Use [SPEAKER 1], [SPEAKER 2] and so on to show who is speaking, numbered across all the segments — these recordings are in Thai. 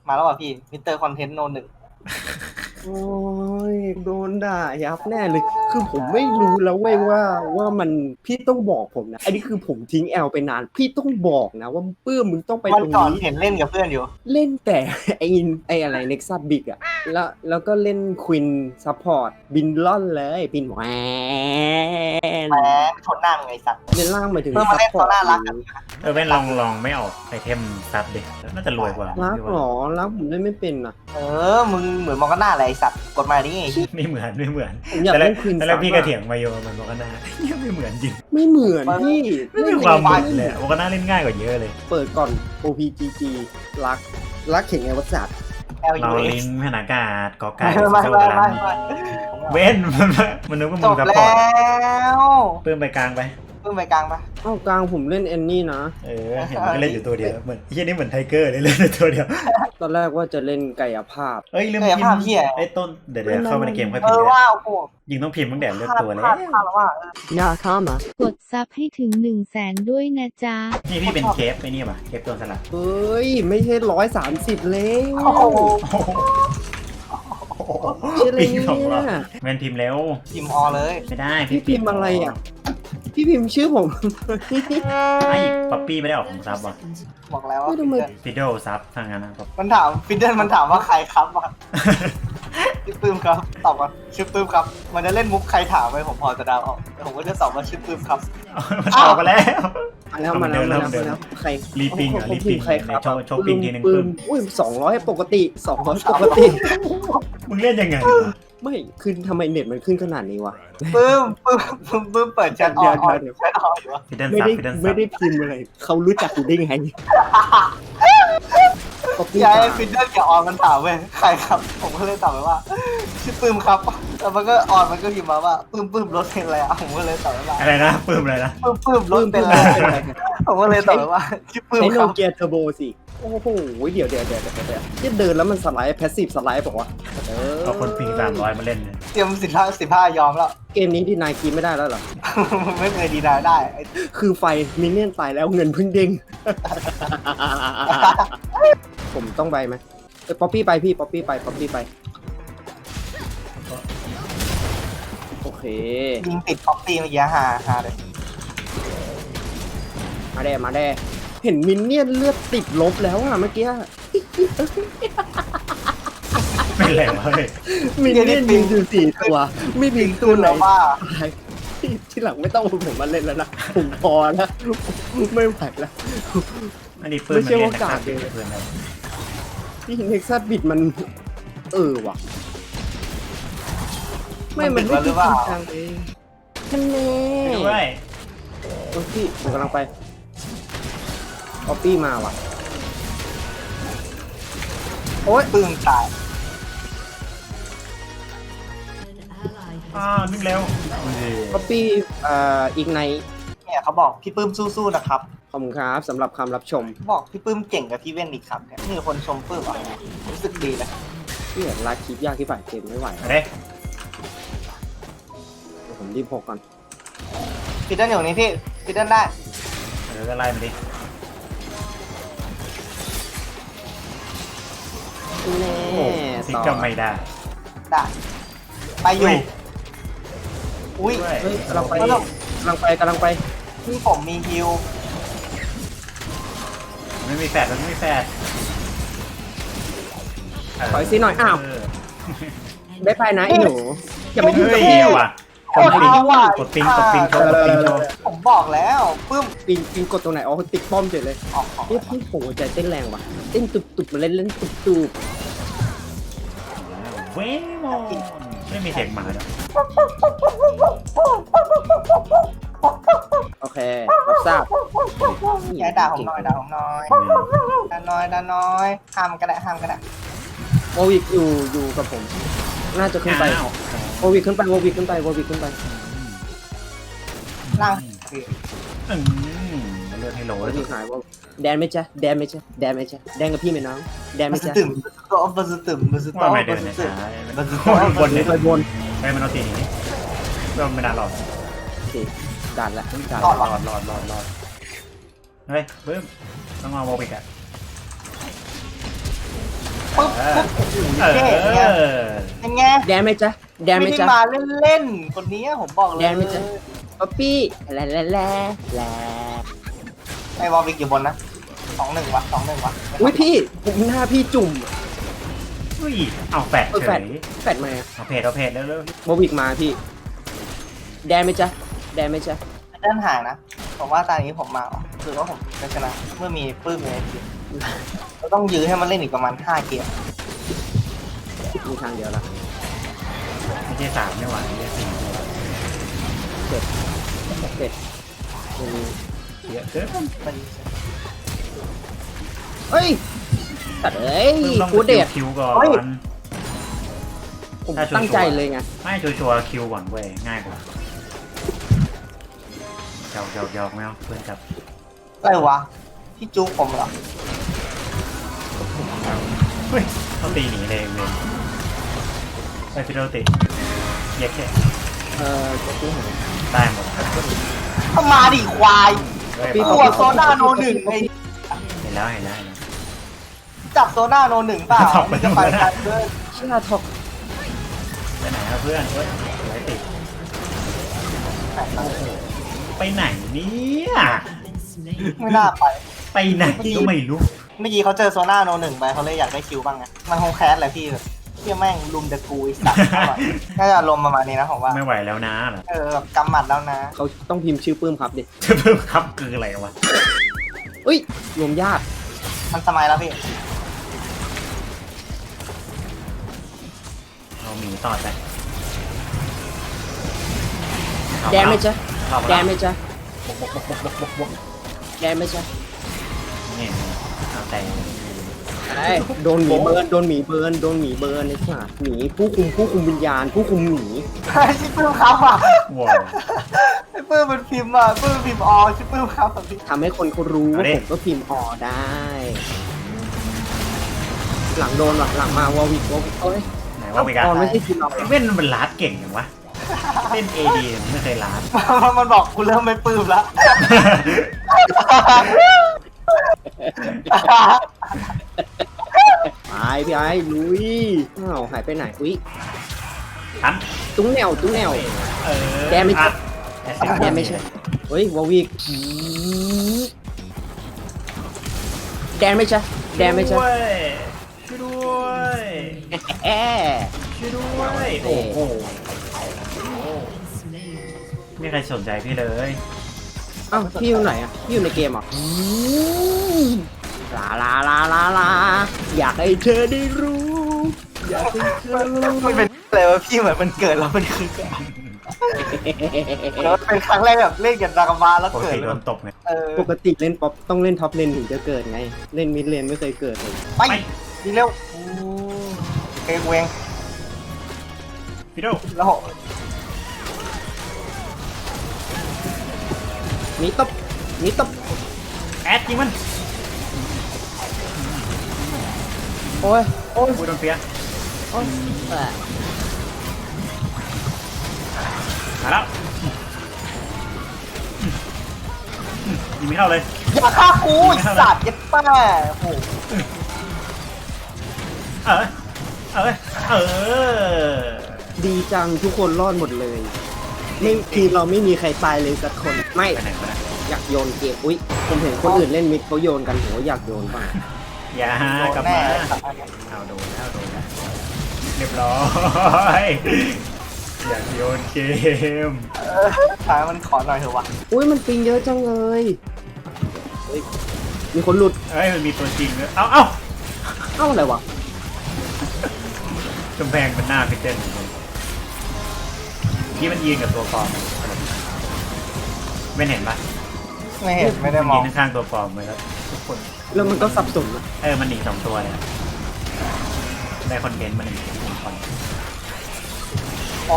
[SPEAKER 1] มาแล้วป่ะพี่มิสเตอร์คอนเทนต์โนหนึ่ง
[SPEAKER 2] โอ้ยโดนด่ายับแน่เลยคือผมไม่รู้แล้วเว้ยว่ามันพี่ต้องบอกผมนะอันนี้คือผมทิ้งแอลไปนานพี่ต้องบอกนะว่าปื้มมึงต้องไป
[SPEAKER 1] วัน
[SPEAKER 2] ตรง
[SPEAKER 1] ก่อน
[SPEAKER 2] นี้
[SPEAKER 1] เห็นเล่นกับเพื่อนอยู่
[SPEAKER 2] เล่นแต่ ไออะไรเน็กซัสบิกอะแล้วก็เล่นควินซัพพอร์ตบินล่อนเลยบินแหวน
[SPEAKER 1] แหมชนหน้ามึงไงสัตว์
[SPEAKER 2] เล่นล่างมาถึง
[SPEAKER 1] เพิ่มมา
[SPEAKER 2] ซัพ
[SPEAKER 1] เล่น
[SPEAKER 2] พอ
[SPEAKER 1] เขา
[SPEAKER 2] ร์ต
[SPEAKER 1] น่ารักกัน
[SPEAKER 3] แม่งลองไม่ออกไอเทมซับดิน่าจะรวยกว่า
[SPEAKER 2] รักหรอรักผมเล่นไม่เป็นอะ
[SPEAKER 1] มึงเหมือนมองกันหน้าอะไรไอ้สัตว์กดมาดิ
[SPEAKER 3] ไม่เหมือน
[SPEAKER 2] ผมอยาก
[SPEAKER 3] แต่แร
[SPEAKER 2] เล่
[SPEAKER 3] ก
[SPEAKER 2] นควิน
[SPEAKER 3] แต่แร
[SPEAKER 2] ซั
[SPEAKER 3] ก
[SPEAKER 2] พ
[SPEAKER 3] พี่ก็เถียงมาโยมันบอกว่าน่าไม่เหมือนจริง
[SPEAKER 2] ไม่เหมือนพี่
[SPEAKER 3] ไม่มีความเหมือนเลยบอกว่าน่าเล่นง่ายกว่าเยอะเลย
[SPEAKER 2] เปิดก่อน OPGG รักเข่งไงวัสดุ
[SPEAKER 1] แอล
[SPEAKER 3] เรา
[SPEAKER 1] ยูเอ
[SPEAKER 3] ลิงพนากาศกอไก่
[SPEAKER 1] ไม่
[SPEAKER 3] โซ
[SPEAKER 1] ไม่
[SPEAKER 3] ดั
[SPEAKER 1] ไม่
[SPEAKER 3] น
[SPEAKER 1] ไม่
[SPEAKER 3] เว้นมันนึกว่า
[SPEAKER 1] จ
[SPEAKER 3] มึง
[SPEAKER 1] บ
[SPEAKER 3] ซัพ
[SPEAKER 1] แล้
[SPEAKER 3] พอร์ต
[SPEAKER 1] ว
[SPEAKER 3] เพิ่มไปกลางไป
[SPEAKER 1] เพิ่งไปกลางปะ
[SPEAKER 2] เอ้ากลางผมเล่นแอนนี่นะ
[SPEAKER 3] เห็นมันก็เล่นอยู่ตัวเดียวเหมือนที่นี่เหมือนไทเกอร์เลยเล่นอยู่ตัวเดียว
[SPEAKER 2] ตอนแรกว่าจะเล่นกายภาพ
[SPEAKER 3] เอ้ยลืม
[SPEAKER 1] เฮ้ย
[SPEAKER 3] พิม
[SPEAKER 1] ภาพ
[SPEAKER 3] พ์
[SPEAKER 1] เหี้ย
[SPEAKER 3] ไอ้ต้นเดี๋ยวเข้าไปในเกมค่อย
[SPEAKER 1] เอ
[SPEAKER 3] พิม
[SPEAKER 1] อ
[SPEAKER 3] พ์
[SPEAKER 1] ว่าโอ้โห
[SPEAKER 3] ยิงต้องพิมพ์ตั้งแต่เลือกตัวแล้ว
[SPEAKER 1] พลาดแล้วว่า
[SPEAKER 2] นาคามะ
[SPEAKER 4] กดซับให้ถึง 100,000 ด้วยนะจ๊ะ
[SPEAKER 3] นี่พี่เป็นเคฟไอ้นี่ป่ะเคฟตัวสลัด
[SPEAKER 2] เฮ้ย ไม่ใช่130เลย
[SPEAKER 1] โอ้โห
[SPEAKER 2] ใช่เลย
[SPEAKER 3] ปิงของเรา
[SPEAKER 2] เนี่ย
[SPEAKER 3] แมนพิมพ์เร็ว
[SPEAKER 1] ทีมออเลย
[SPEAKER 3] ไม่ได้
[SPEAKER 2] พี่พิมพ์อะไรอ่ะ พี่พิมพ์ชื่อผม
[SPEAKER 3] ไอ้ป๊อปปี้ไม่ได้ออกของซับว่ะ
[SPEAKER 1] บอกแล้วว่า
[SPEAKER 2] ไม่ทำไม
[SPEAKER 3] ฟิดเดิลซับทางนั้นนะ
[SPEAKER 1] มันถามฟิดเดิลมันถามว่าใครครับวะชื่อปื้มครับตอบว่าชื่อปื้มครับ มันจะเล่นมุกใครถามไปผมพอจะเดาออกแต่ผมก็จะตอบว่าชื่อปื้มครับ
[SPEAKER 3] มันออกมาแล้ว
[SPEAKER 2] มาแล้วใคร
[SPEAKER 3] รีปิงเหรอรีปิง
[SPEAKER 2] ใครครับ
[SPEAKER 3] โชว์ปิงทีนึง
[SPEAKER 2] ปื
[SPEAKER 3] ปื้
[SPEAKER 2] ม
[SPEAKER 3] ม
[SPEAKER 2] อุ้ย200ปกติ200ปกติ
[SPEAKER 3] มึงเล่นยังไง
[SPEAKER 2] ไม่คือทำไมเน็ตมันขึ้นขนาดนี้วะ
[SPEAKER 1] ปื้มเปิดแชทออกแชทออกอยู่วะ
[SPEAKER 3] ฟิดเดิล
[SPEAKER 2] ไม่
[SPEAKER 3] ซับ
[SPEAKER 2] ได้
[SPEAKER 3] ฟิดเดิลซั
[SPEAKER 2] ไม่
[SPEAKER 3] บ
[SPEAKER 2] ได้พิมพ์อะไรเขารู้จักกูได้ไงก็พี่
[SPEAKER 1] ยายฟิดเดิลกับออนมันถามเว้ยใครครับ ผมก็เลยตอบไปว่าชื่อปื้มครับแล้วมันก็ออนมันก็พิมพ์มาว่าปื้มรถเป็นอะไรอ่ะผมก็เลยตอบไปว่า
[SPEAKER 3] อะไรนะปื้มอะไรนะ
[SPEAKER 1] ปื้มรถเป็นอะไรผมก็เลยตอบไปว่าชื่อปื้ม
[SPEAKER 2] ใช้
[SPEAKER 1] ค
[SPEAKER 2] โน
[SPEAKER 1] รับ
[SPEAKER 2] เกียเทอร์โบสิโอ้โหเดี๋ยวที่เดินแล้วมันสไลด์แพสซีฟสไลด์บอกว่า
[SPEAKER 3] เอาคนปิง300มาเล่นเนี่ย
[SPEAKER 1] เตรียม15ยอมแล้ว
[SPEAKER 2] เกมนี้ที่นายกินไม่ได้แล้วเหรอ
[SPEAKER 1] ไม่เคยดีนาได้ไอ้
[SPEAKER 2] คือไฟมินเนี่ยนตายแล้วเงินเพิ่งเด้ง ผมต้องไปไหมป๊อปปี้ไปพี่ป๊อปปี้ไปโอเค
[SPEAKER 1] ยิงติดป๊อปปี้เมื่อกี้ฮาเลย
[SPEAKER 2] มาแด่เห็นมินเนี่ยนเลือดติดลบแล้วอะเมื่อกี้
[SPEAKER 3] ไม่แหลวเลย
[SPEAKER 2] มินเนี่ยนยิงอยู่4 ตัว ไม่มีตัวไหน
[SPEAKER 1] ว่า
[SPEAKER 2] ตายที่หลังไม่ต้องเอาผมมาเล่นแล้วนะผมพอแล้วไม่ไหวแล้ว
[SPEAKER 3] อันนี้ปื้มมันเล่นนักฆ่าเป็นเพื่อนเรา
[SPEAKER 2] ที่เท็กซัสบิดมันว่ะไม่มันไม่จริงจังเองท่านแน่
[SPEAKER 3] ไม่ด้วย
[SPEAKER 2] โอ้ยพี่ผมกำลังไปป๊อปปี้มาว่ะโอ้ย
[SPEAKER 1] ปื้มตาย
[SPEAKER 3] นึกเร็ว
[SPEAKER 2] ป๊อปปี้อีกใน
[SPEAKER 1] เนี่ยเขาบอกพี่ปื้มสู้ๆนะครับ
[SPEAKER 2] ขอบคุณครับสำหรับคำรับชม
[SPEAKER 1] บอกพี่ปื้มเก่งกับพี่เว้นอีกครับเนี่ยมีคนชมปื้มอ่ะรู้สึกดีนะ
[SPEAKER 2] ที่เห็นลาคลิปยากที่ฝ่ายเกมไม่ไหว
[SPEAKER 3] มาเด้
[SPEAKER 2] เดี๋ยวผมรีบพกก่อน
[SPEAKER 1] ฟิดเดิลอยู่นี่พี่ฟิดเดิลได้
[SPEAKER 3] เดี๋ยวจะไล่มาดิ
[SPEAKER 2] แน่
[SPEAKER 3] ซิก
[SPEAKER 2] ต่อ
[SPEAKER 3] ก็ไม่ได้
[SPEAKER 1] ไปอยู่อุ้ย
[SPEAKER 2] เฮ้ยกำลังไป
[SPEAKER 1] พี่ผมมีฮิว
[SPEAKER 3] ไม่มีแฟดมันไม่มีแฟด
[SPEAKER 2] ถอยซิหน่อยอ้าวได้ไปนะไอ้หนูอย่าไป
[SPEAKER 3] เฮ้
[SPEAKER 2] ยุ่งกับ
[SPEAKER 3] ย
[SPEAKER 2] พี่
[SPEAKER 3] ว่ะกดปิงโชว์
[SPEAKER 1] ผมบอกแล้วปื้ม
[SPEAKER 2] ปิงกดตรงไหนอ๋อติดป้อมเฉยเลย
[SPEAKER 1] ออก
[SPEAKER 2] นี่พี่ผมหัวใจเต้นแรงว่ะเต้นตุบๆมาเล่นตุบ
[SPEAKER 3] เว้ยมอนไม่มีเสียงหมาเนาะ
[SPEAKER 2] ๆโอเครับทราบ
[SPEAKER 1] อย่าด่าผมหน่อยดันน้อยห้ามก็ได้
[SPEAKER 2] โอวิกอยู่กับผม น่าจะขึ้นไปโอวิกขึ้นไป
[SPEAKER 1] ล่าง
[SPEAKER 3] เลือดให้โหล
[SPEAKER 2] โอ
[SPEAKER 3] เลย
[SPEAKER 2] วิกหายว่าแดนไหมจ๊ะแดนกับพี่ไหมน้องแดนไหม
[SPEAKER 1] มัน
[SPEAKER 2] จ๊ะ
[SPEAKER 1] ตื่นมันตื่น
[SPEAKER 3] ว่าไม่เดินนะช้าบนนี้
[SPEAKER 2] ไปบน
[SPEAKER 3] ใช้มันเอาตีนี้ก็ไม่นานหรอก
[SPEAKER 2] โอเคดันละ
[SPEAKER 3] รอดเฮ้ยบึ้มต้องเอาโมบิกอะ
[SPEAKER 1] ปุ๊บปุ๊บโอ้โห
[SPEAKER 3] เอ
[SPEAKER 1] เท่ไง
[SPEAKER 3] อ
[SPEAKER 1] เป็นไง
[SPEAKER 2] แดนไหมจ๊ะแดนไหม
[SPEAKER 1] ไม่ได้
[SPEAKER 2] จ๊ะ
[SPEAKER 1] มาเล่นๆคนนี้ผมบอกเลย
[SPEAKER 2] แดนไหมจ๊ะ ป๊อปปี้แลแลแลแล
[SPEAKER 1] ไอ้วอลวิกอยู่บนนะ2-1 วะ2-1 วะ
[SPEAKER 2] อุ้ยพี่ผมหน้าพี่จุ่ม
[SPEAKER 3] อุ้ยเอาแฟด
[SPEAKER 2] เออ
[SPEAKER 3] เฉ
[SPEAKER 2] แฟด
[SPEAKER 3] ย
[SPEAKER 2] แฟดมา
[SPEAKER 3] เอาเพจแล้ว
[SPEAKER 2] บวิกมาพี่ แดนไหมจ๊ะแดนไหมจ๊ะ
[SPEAKER 1] ด้านห่างนะผมว่าตอนนี้ผมมาคือว่าผมจะชนะเมื่อมีปื้มในทีมเราต้องยื้อให้มันเล่นอีกประมาณ5 เกม
[SPEAKER 2] มีทางเดียวละ
[SPEAKER 3] ไม่ใช่3ไม่ไหวไม่ใช่4
[SPEAKER 2] เสร็จ
[SPEAKER 3] เยอะเกิน
[SPEAKER 1] มัน
[SPEAKER 2] เฮ้ยตัดเอ้ย
[SPEAKER 3] ต้อง
[SPEAKER 2] กูเดด
[SPEAKER 3] คิวก่อน
[SPEAKER 2] ผม
[SPEAKER 3] ถ้าชัวร์
[SPEAKER 2] ตั้งใจเลยไง
[SPEAKER 3] ไม่ชัวร์คิวก่อนเว้ยง่ายกว่าหยอกไม่เอาเพื่อนจับ
[SPEAKER 1] อะไรวะพี่จู๊ผมเหรอ
[SPEAKER 3] เฮ้ยเขาตีหนีเลยไปฟิโดติเย็กแค่
[SPEAKER 2] จะซื้อหา
[SPEAKER 3] ได้หมด
[SPEAKER 1] เข้ามาดิควาย
[SPEAKER 3] เฮ้ย
[SPEAKER 1] ตัวโซน่าโนหนึ่งไอ้
[SPEAKER 3] เห็นแล้ว
[SPEAKER 1] จับโซน่าโนหนึ่งเปล่ามันจะไปกันเพื่อน
[SPEAKER 2] เชื่อทอก
[SPEAKER 3] ไปไหนครับเพื่อนเฮ้ยไรติดไปไหนเนี่ย
[SPEAKER 1] ไม่น่าไป
[SPEAKER 3] ไปไหนก็ไม่รู้
[SPEAKER 1] เมื่อกี้เขาเจอโซน่าโนหนึ่งไปเขาเลยอยากได้คิวบ้างไงมันคงแคสแหละพี่แบบเที่ยแม่งลุมเดอะกูไอ้สัตว์น่าจะลมณ์ประมาณนี้นะผมว่า
[SPEAKER 3] ไม่ไหวแล้วนะเหรอ
[SPEAKER 1] แบบกำหมัดแล้วนะ
[SPEAKER 2] เขาต้องพิมพ์ชื่อปื้มครับดิ
[SPEAKER 3] จะเพิ่มครับคืออะไรวะ
[SPEAKER 2] อุ้ยรวมญาติ
[SPEAKER 1] มันสมัยแล้วพี่
[SPEAKER 3] เราหมีต่อไป
[SPEAKER 2] แดนไหมจ๊ะ
[SPEAKER 3] เข้ามา
[SPEAKER 2] แด
[SPEAKER 3] แล้ว
[SPEAKER 2] นไหมจ๊ะ
[SPEAKER 3] บก
[SPEAKER 2] แดนไหมจ๊ะ
[SPEAKER 3] นี่เอาแต่
[SPEAKER 2] ไอ้โดนหมีเบิร์นโดนหมีเบิร์นโดนหมีเบิร์นไอ้สัสหมีผู้คุมวิญญาณผู้คุมหมี
[SPEAKER 1] ชิปปื้มครับอ่ะ
[SPEAKER 3] ว้าว
[SPEAKER 1] ไอ้ปื้มมันพิมพ์อ่ะปื้มพิมพ์ออชิปปื้มครับอ่ะพี่
[SPEAKER 2] ทำให้คนเขารู้ว่าผมก็พิมพ์ออได้ หลังโดนหลังมาวอวิกเอ้ย
[SPEAKER 3] ไหนว่าไปกัน
[SPEAKER 2] ตอนไม่ใช่ทีมเรา
[SPEAKER 3] เว้นมันลาดเก่งอย่างวะเล่นเอดีไม่เคยลาด
[SPEAKER 1] มันบอกกูเริ่มไม่ปลื้มแล้ว
[SPEAKER 2] ไปพี่ไอ้ลุยอ้าวหายไปไหนอุ้ย
[SPEAKER 3] ทัน
[SPEAKER 2] ตุ้งแนว
[SPEAKER 3] เออ
[SPEAKER 2] แดนไม่ใช่
[SPEAKER 3] แด
[SPEAKER 2] แดนไม่ใช่เฮ้ยวอวิกแดนไม่ใช่แดนไม่ใช่
[SPEAKER 3] ช่วยด้วย
[SPEAKER 2] แอะ
[SPEAKER 3] ช่วยด้วยโอ้โหไม่มีใครสนใจพี่เลย
[SPEAKER 2] อ้าวพี่อยู่ไหนอ่ะพี่อยู่ในเกมเหรอ่ะลาอยากให้เธอได้รู้อยากให้เธอรู้
[SPEAKER 1] มันเป็นอะไรวะพี่เหมือนมันเกิดแล้วมันคือแล้วเป็นครั้งแรกแบบเล่นกับดากามาแล้ว
[SPEAKER 3] ปก
[SPEAKER 1] เกิด
[SPEAKER 3] ติโดนตบไง
[SPEAKER 2] ปกติเล่นป๊อปต้องเล่นท็อปเลนถึงจะเกิดไง เล่นมิดเลนไม่เคยเกิดเลย
[SPEAKER 1] ไปดีเร็วเกงเวง
[SPEAKER 3] พี่โด
[SPEAKER 1] แล้ว
[SPEAKER 2] มีตบ
[SPEAKER 3] แอดยิงมัน
[SPEAKER 2] โอ้ย
[SPEAKER 3] กูโดนเปีย
[SPEAKER 2] โอ้ย
[SPEAKER 3] มาแล้วยิงไม่เข้าเลย
[SPEAKER 1] อย่าฆ่ากูไอ้สัตว์ยัดป้าโอ้โห
[SPEAKER 3] เออ
[SPEAKER 2] ดีจังทุกคนรอดหมดเลยไม่ทีมเราไม่มีใครตายเลยสักคนไม่
[SPEAKER 3] ไปไหนมา
[SPEAKER 2] อยากโยนเกมอุ้ยผมเห็นคนอื่นเล่นมิดเขาโยนกันผมว่าอยากโยนบ้าง
[SPEAKER 3] อย่า
[SPEAKER 1] โดน
[SPEAKER 3] กลับ
[SPEAKER 1] แน่
[SPEAKER 3] มา
[SPEAKER 1] สัตว์อันเนี้ย
[SPEAKER 3] เอาโดนเรียบร้อยอยากโยนเกม
[SPEAKER 1] ท้ายมันขอหน่อยเถอะวะ
[SPEAKER 2] อุ้ยมันปิงเยอะจังเลยเฮ้ยมีคนหลุด
[SPEAKER 3] เอ้ยมันมีตัวจริงด้วยเอ้า
[SPEAKER 2] เอ้าอะไรวะ
[SPEAKER 3] กำแพงเป็นหน้าพิเศษที่มันยืนกับตัวฟอร์มไม่เห็นปะ
[SPEAKER 1] ไม่เห็นไม่ได้มอง
[SPEAKER 3] ยืนข้างๆตัวฟอร์มเลยแล้วทุกคน
[SPEAKER 2] แล้วมันก็สับสนอะ
[SPEAKER 3] มันหนี2 ตัวเลยได้คอนเทนต์มา1 คน
[SPEAKER 1] อ๋อ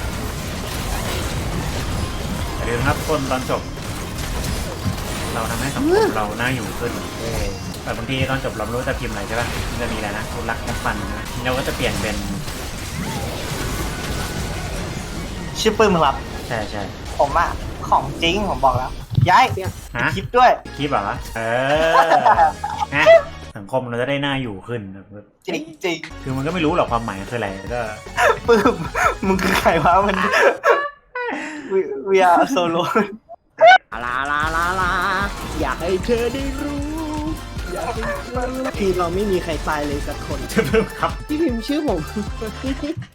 [SPEAKER 3] อย่าลืมครับคนตอนจบ เราทำให้สังคมเราน่าอยู่ขึ้นแต่บางทีตอนจบเราไม่รู้จะพิมพ์อะไรใช่ปะมันจะมีอะไรนะรักนักฟันนะเราก็จะเปลี่ยนเป็น
[SPEAKER 1] ชื่อปื้มครับ
[SPEAKER 3] ใช่
[SPEAKER 1] ผมอะของจริงผมบอกแล้วย้าย
[SPEAKER 3] ฮะ
[SPEAKER 1] คลิปด้วย
[SPEAKER 3] คลิปเหรอฮะสังคมเราจะได้น่าอยู่ขึ้นนะ
[SPEAKER 1] จริงจริง
[SPEAKER 3] คือมันก็ไม่รู้หรอกความหมายคืออะไรก็
[SPEAKER 1] ปื้มมึงคือใครวะมันwe are solo
[SPEAKER 2] ลาอยากให้เธอได้รู้อยากให้เธอคือเราไม่มีใครตายเลยสักคน
[SPEAKER 3] จะเพิ่มครับ
[SPEAKER 2] พี่พิมพ์ชื่อผม